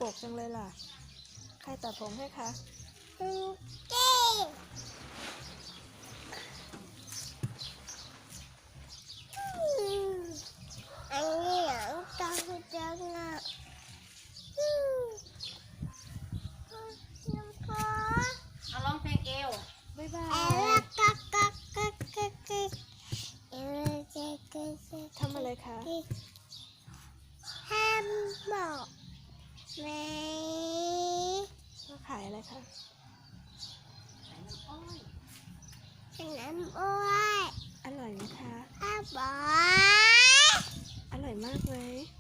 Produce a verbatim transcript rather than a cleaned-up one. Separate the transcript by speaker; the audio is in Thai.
Speaker 1: กจังเลยล่ะใครตัดผมให้คะ
Speaker 2: คุณเก้อันนี้หลังตาคุณจังอ่ะ
Speaker 3: เอาร้องเพลงเอว
Speaker 1: บ๊ายบา
Speaker 2: เอย ลกักกักกักกักกักเอลเจเกเจ
Speaker 1: ทำอะไรคะ
Speaker 2: ห้ามบอกไหม
Speaker 1: มาขายอะไรคะ
Speaker 3: ใส่น้ำอ้อย
Speaker 2: น้ำอ้อย
Speaker 1: อร่อยไหมคะ
Speaker 2: อ้าบอก
Speaker 1: อร่อยมากเลย